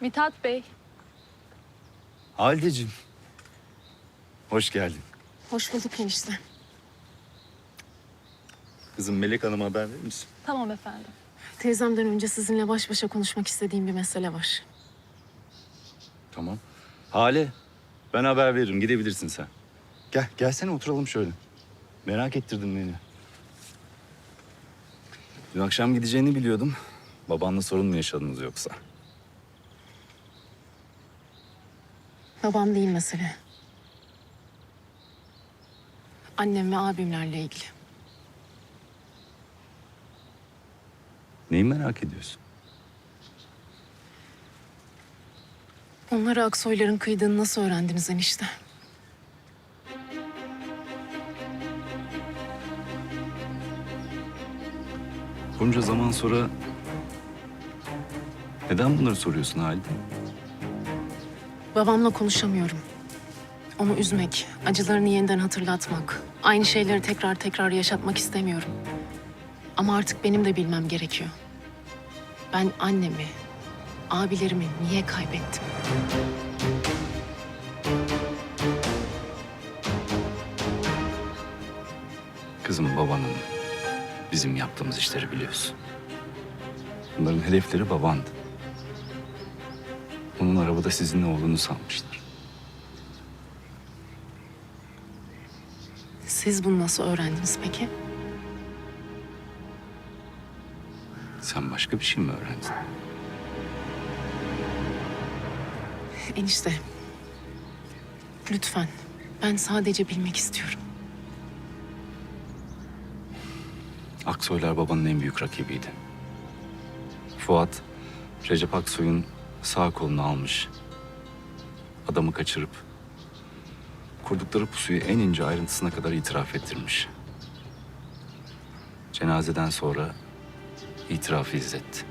Mithat Bey. Haldeciğim. Hoş geldin. Hoş bulduk enişte. Kızım Melek Hanım'a haber verir misin? Tamam efendim. Teyzemden önce sizinle baş başa konuşmak istediğim bir mesele var. Tamam. Hale, ben haber veririm. Gidebilirsin sen. Gelsene oturalım şöyle. Merak ettirdin beni. Dün akşam gideceğini biliyordum. Babanla sorun mu yaşadınız yoksa? Babam değil mesele. Annem ve abimlerle ilgili. Neyi merak ediyorsun? Onlara Aksoyların kıydığını nasıl öğrendiniz enişte? Bunca zaman sonra neden bunları soruyorsun Halide? Babamla konuşamıyorum. Onu üzmek, acılarını yeniden hatırlatmak, aynı şeyleri tekrar tekrar yaşatmak istemiyorum. Ama artık benim de bilmem gerekiyor. Ben annemi, abilerimi niye kaybettim? Kızım babanın bizim yaptığımız işleri biliyorsun. Bunların hedefleri babandı. Onun arabada sizinle olduğunu sanmışlar. Siz bunu nasıl öğrendiniz peki? Sen başka bir şey mi öğrendin? Enişte, lütfen. Ben sadece bilmek istiyorum. Aksoylar babanın en büyük rakibiydi. Fuat, Recep Aksoy'un sağ kolunu almış. Adamı kaçırıp kurdukları pusuyu en ince ayrıntısına kadar itiraf ettirmiş. Cenazeden sonra itirafı izletti.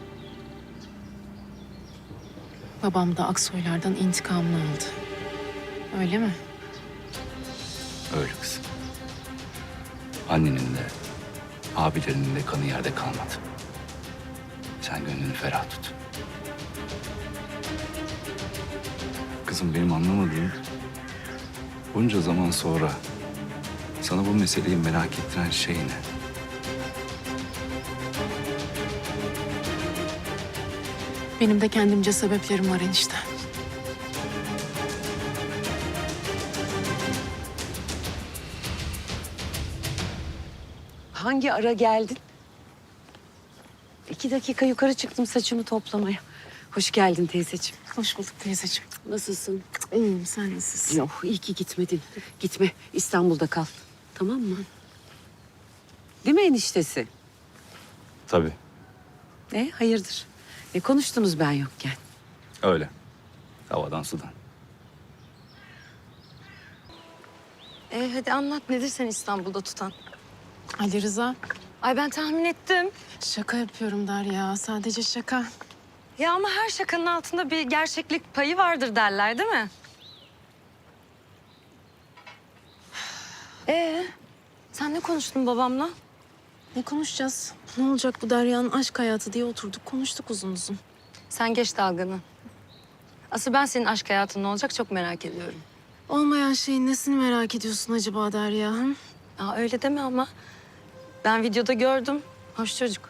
Babam da Aksoylardan intikamını aldı. Öyle mi? Öyle kızım. Annenin de, abilerinin de kanı yerde kalmadı. Sen gönlünü ferah tut. Kızım benim anlamadığım, bunca zaman sonra sana bu meseleyi merak ettiren şey ne? Benim de kendimce sebeplerim var enişte. Hangi ara geldin? 2 dakika yukarı çıktım saçımı toplamaya. Hoş geldin teyzeciğim. Hoş bulduk teyzeciğim. Nasılsın? İyiyim, sen nasılsın? Yok, iyi ki gitmedin. Gitme, İstanbul'da kal. Tamam mı? Değil mi eniştesi? Tabii, Hayırdır? Ne konuştunuz ben yokken? öyle. Havadan sudan. Hadi anlat nedir sen İstanbul'da tutan? Ali Rıza, Ay ben tahmin ettim. şaka yapıyorum Derya. Sadece şaka. Ya ama her şakanın altında bir gerçeklik payı vardır derler değil mi? Sen ne konuştun babamla? Ne konuşacağız? Ne olacak bu Derya'nın aşk hayatı diye oturduk, konuştuk uzun uzun. Sen geç dalganı. Asıl ben senin aşk hayatın ne olacak çok merak ediyorum. Olmayan şeyin nesini merak ediyorsun acaba Derya? Hı? Aa, öyle deme ama. Ben videoda gördüm. Hoş çocuk.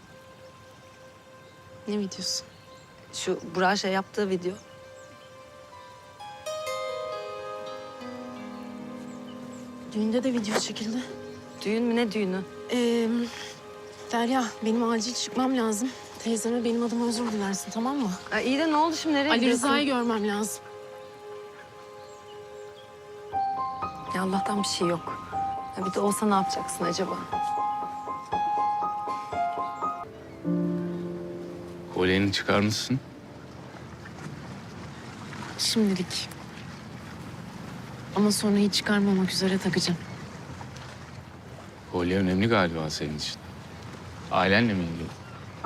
Ne videosu? Şu Burak'a şey yaptığı video. Düğünde de video çekildi. Düğün mü ne düğünü? Derya, benim acil çıkmam lazım. Teyzeme benim adıma özür dilersin, tamam mı? Ay, iyi de ne oldu şimdi nereye Ali gidiyorsun? Rıza'yı görmem lazım. Ya Allah'tan bir şey yok. Ya bir de olsa ne yapacaksın acaba? Kolyeni çıkarmışsın. Şimdilik. Ama sonra hiç çıkarmamak üzere takacağım. Kolye önemli galiba senin için. Ailenle mi ilgili?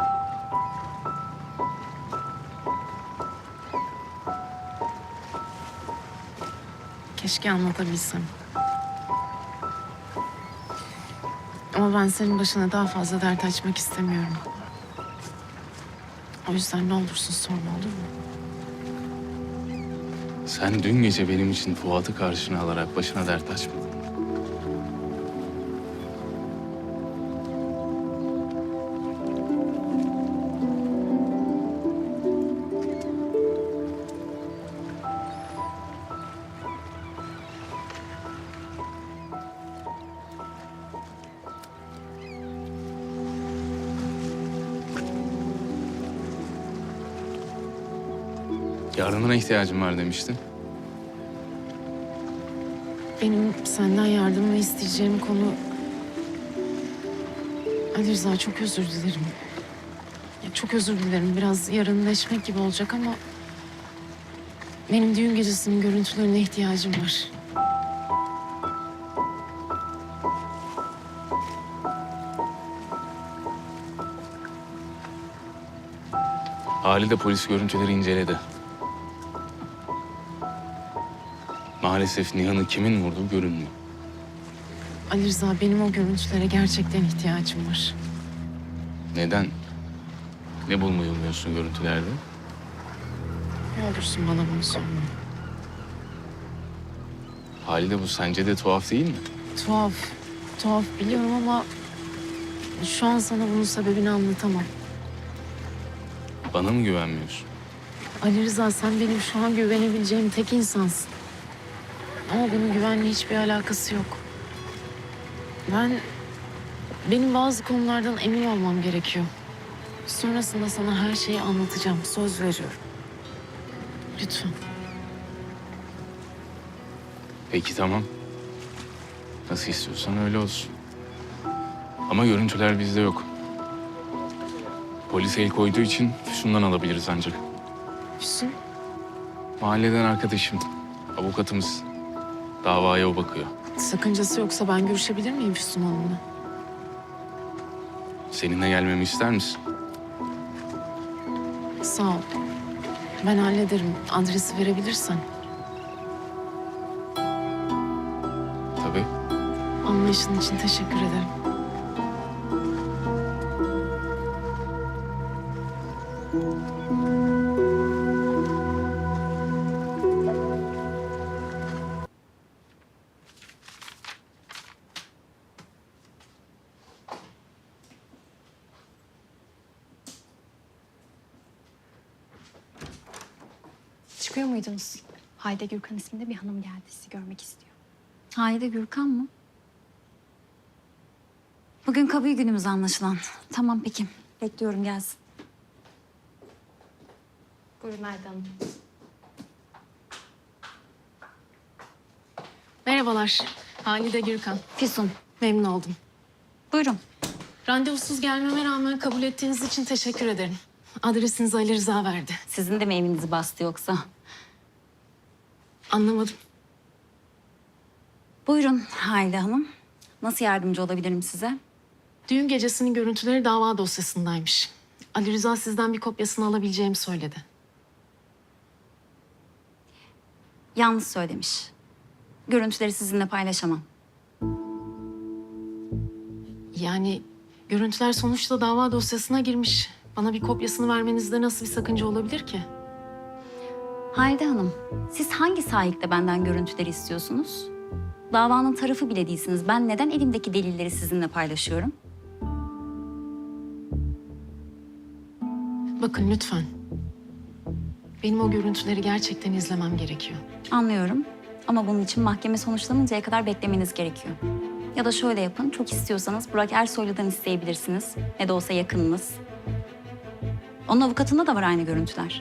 Keşke anlatabilsem. Ama ben senin başına daha fazla dert açmak istemiyorum. O yüzden ne olursun sorma, olur mu? Sen dün gece benim için Fuat'ı karşına alarak başına dert açmadın. Yardımına ihtiyacım var demiştin. Benim senden yardımını isteyeceğim konu... Ali Rıza, çok özür dilerim. Ya, çok özür dilerim. Biraz yarınleşmek gibi olacak ama... Benim düğün gecesinin görüntülerine ihtiyacım var. Halide polis görüntüleri inceledi. Maalesef Nihan'ı kimin vurduğu görünmüyor. Ali Rıza, benim o görüntülere gerçekten ihtiyacım var. Neden? Ne bulmayı umuyorsun görüntülerde? Ne olursun bana bunu sorma. Halide bu sence de tuhaf değil mi? Tuhaf, tuhaf biliyorum ama... Şu an sana bunun sebebini anlatamam. Bana mı güvenmiyorsun? Ali Rıza, sen benim şu an güvenebileceğim tek insansın. Ama bunun güvenle hiçbir alakası yok. Benim bazı konulardan emin olmam gerekiyor. Sonrasında sana her şeyi anlatacağım. Söz veriyorum. Lütfen. Peki tamam. Nasıl istiyorsan öyle olsun. Ama görüntüler bizde yok. Polis el koyduğu için Füsun'dan alabiliriz ancak. Füsun, Mahalleden arkadaşım, avukatımız. Davaya o bakıyor. sakıncası yoksa ben görüşebilir miyim Füsun Hanım'la? Seninle gelmemi ister misin? Sağ ol. Ben hallederim. Adresi verebilirsen. Tabii. Anlayışın için teşekkür ederim. Çıkıyor muydunuz? Hayde Gürkan isminde bir hanım geldi. Sizi görmek istiyor. Halide Gürkan mı? Bugün kabul günümüz anlaşılan. Tamam peki. Bekliyorum gelsin. Buyurun Hayde Hanım. Merhabalar. Halide Gürkan. Füsun. Memnun oldum. Buyurun. Randevusuz gelmeme rağmen kabul ettiğiniz için teşekkür ederim. Adresinizi Ali Rıza verdi. Sizin de mi evinizi bastı yoksa? Anlamadım. Buyurun Halide Hanım. Nasıl yardımcı olabilirim size? Düğün gecesinin görüntüleri dava dosyasındaymış. Ali Rıza sizden bir kopyasını alabileceğimi söyledi. Yanlış söylemiş. Görüntüleri sizinle paylaşamam. Yani görüntüler sonuçta dava dosyasına girmiş. Bana bir kopyasını vermenizde nasıl bir sakınca olabilir ki? Halide Hanım, siz hangi sahipte benden görüntüleri istiyorsunuz? Davanın tarafı bile değilsiniz. Ben neden elimdeki delilleri sizinle paylaşıyorum? Bakın lütfen. Benim o görüntüleri gerçekten izlemem gerekiyor. Anlıyorum. Ama bunun için mahkeme sonuçlanıncaya kadar beklemeniz gerekiyor. Ya da şöyle yapın, çok istiyorsanız Burak Ersoylu'dan isteyebilirsiniz. Ne de olsa yakınınız. Onun avukatında da var aynı görüntüler.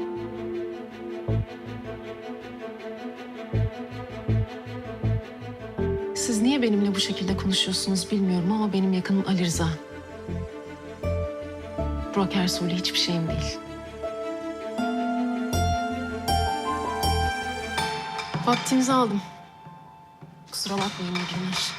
Siz niye benimle bu şekilde konuşuyorsunuz bilmiyorum ama benim yakınım Ali Rıza. Burak Ersoy'la hiçbir şeyim değil. Vaktinizi aldım. Kusura bakmayın, iyi günler.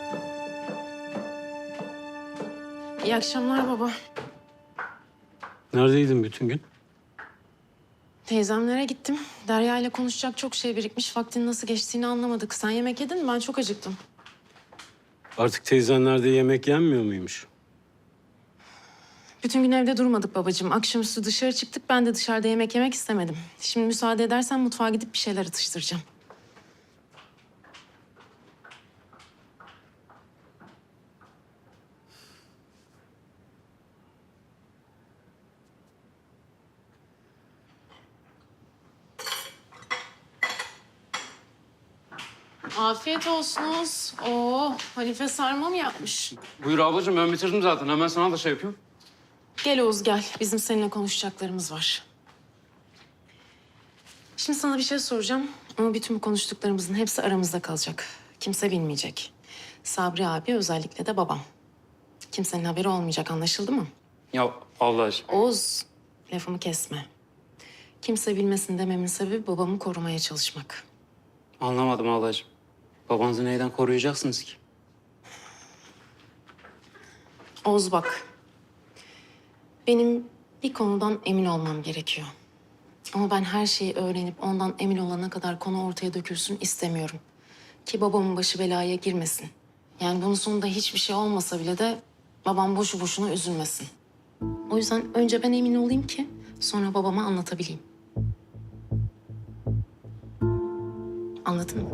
İyi akşamlar baba. Neredeydin bütün gün? Teyzemlere gittim. Derya ile konuşacak çok şey birikmiş. Vaktin nasıl geçtiğini anlamadık. Sen yemek yedin mi? Ben çok acıktım. Artık teyzenlerde yemek yenmiyor muymuş? Bütün gün evde durmadık babacığım. Akşamüstü dışarı çıktık. Ben de dışarıda yemek yemek istemedim. Şimdi müsaade edersen mutfağa gidip bir şeyler atıştıracağım. Afiyet olsunuz. Oo, Halife sarma mı yapmış? Buyur ablacığım, ben bitirdim zaten. Hemen sana da şey yapıyorum. Gel Oğuz gel. Bizim seninle konuşacaklarımız var. Şimdi sana bir şey soracağım. Ama bütün bu konuştuklarımızın hepsi aramızda kalacak. Kimse bilmeyecek. Sabri abi özellikle de babam. Kimsenin haberi olmayacak, anlaşıldı mı? Ya ablacığım. Oğuz, lafımı kesme. Kimse bilmesin dememin sebebi babamı korumaya çalışmak. Anlamadım ablacığım. Babanızı neyden koruyacaksınız ki? Oğuz bak. Benim bir konudan emin olmam gerekiyor. Ama ben her şeyi öğrenip ondan emin olana kadar konu ortaya dökülsün istemiyorum. Ki babamın başı belaya girmesin. Yani bunun sonunda hiçbir şey olmasa bile de babam boşu boşuna üzülmesin. O yüzden önce ben emin olayım ki sonra babama anlatabileyim. Anladın mı?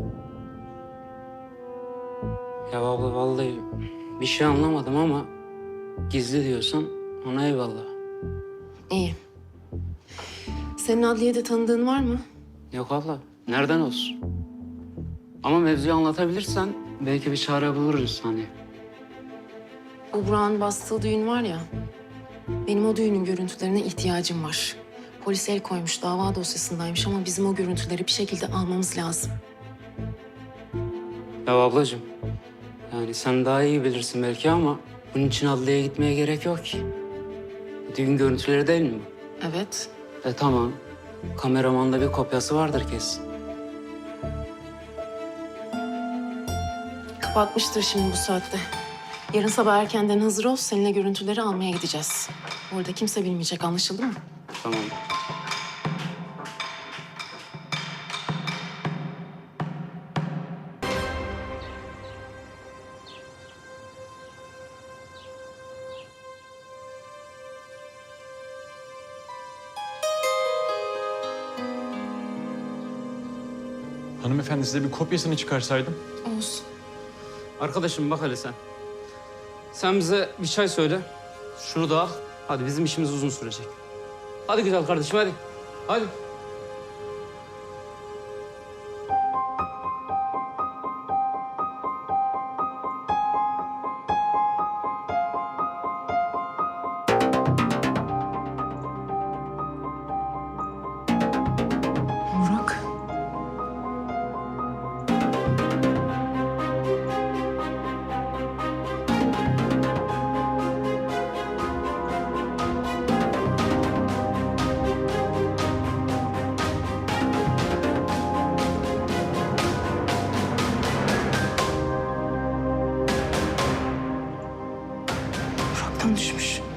Ya abla vallahi bir şey anlamadım ama gizli diyorsan ona eyvallah. İyi. Senin adliyede tanıdığın var mı? Yok abla nereden olsun? Ama mevzuyu anlatabilirsen belki bir çare buluruz hani. Bu Burak'ın bastığı düğün var ya. Benim o düğünün görüntülerine ihtiyacım var. Polis el koymuş, dava dosyasındaymış ama bizim o görüntüleri bir şekilde almamız lazım. Ya ablacığım yani sen daha iyi bilirsin belki ama bunun için adliyeye gitmeye gerek yok ki. Düğün görüntüleri değil mi bu? Evet. Tamam. Kameramanda bir kopyası vardır kesin. Kapatmıştır şimdi bu saatte. Yarın sabah erkenden hazır ol, seninle görüntüleri almaya gideceğiz. Orada kimse bilmeyecek, anlaşıldı mı? Tamam. Hanımefendi size bir kopyasını çıkarsaydım. Oğuz. Arkadaşım bak hele sen. Sen bize bir çay söyle. Şunu da al. Hadi bizim işimiz uzun sürecek. Hadi güzel kardeşim hadi. Hadi. Burak. Burak'tan düşmüş.